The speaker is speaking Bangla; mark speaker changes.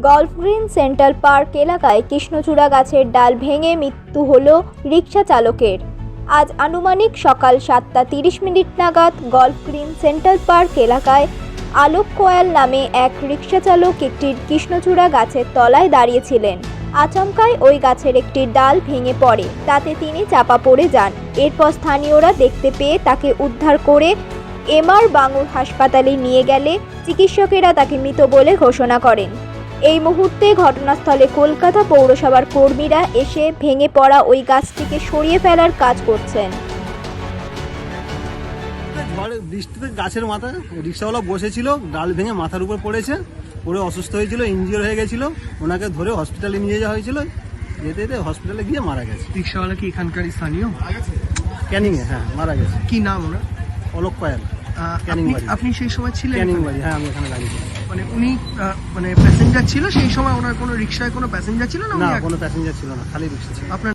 Speaker 1: গল্ফ গ্রিন সেন্ট্রাল পার্ক এলাকায় কৃষ্ণচূড়া গাছের ডাল ভেঙে মৃত্যু হল রিকশা চালকের। আজ আনুমানিক সকাল 7:30 নাগাদ গল্ফ গ্রিন সেন্ট্রাল পার্ক এলাকায় আলোক কোয়াল নামে এক রিকশা চালক একটি কৃষ্ণচূড়া গাছের তলায় দাঁড়িয়েছিলেন। আচমকায় ওই গাছের একটি ডাল ভেঙে পড়ে, তাতে তিনি চাপা পড়ে যান। এরপর স্থানীয়রা দেখতে পেয়ে তাকে উদ্ধার করে এমআর বাঙুর হাসপাতালে নিয়ে গেলে চিকিৎসকেরা তাকে মৃত বলে ঘোষণা করেন। এই মুহূর্তে ঘটনাস্থলে কলকাতা পৌরসভার কর্মীরা এসে ভেঙে পড়া ওই গাছটিকে সরিয়ে ফেলার কাজ করছেন।
Speaker 2: বৃষ্টিতে গাছের মাথায় রিক্সাওয়ালা বসেছিল, ডাল ভেঙে মাথার উপর পড়েছে, পড়ে অসুস্থ হয়েছিল, ইনজিওর হয়ে গেছিল। ওনাকে ধরে হসপিটালে নিয়ে যাওয়া হয়েছিল, যেতে যেতে হসপিটালে গিয়ে মারা গেছে।
Speaker 3: রিক্সাওয়ালা কি এখানকার স্থানীয়?
Speaker 2: ক্যানিংয়ে, হ্যাঁ, মারা গেছে।
Speaker 3: কি নাম ওনার?
Speaker 2: অলোক কয়াল।
Speaker 3: আপনি সেই সময় ছিলেন?
Speaker 2: ক্যানিং বাড়ি, হ্যাঁ, আমি এখানে দাঁড়িয়ে ছিলাম।
Speaker 3: মানে উনি প্যাসেঞ্জার ছিল সেই সময়? ওনার কোনো রিক্সায় কোনো প্যাসেঞ্জার ছিল না?
Speaker 2: না, কোনো প্যাসেঞ্জার ছিল না, খালি রিক্সা ছিল।
Speaker 3: আপনার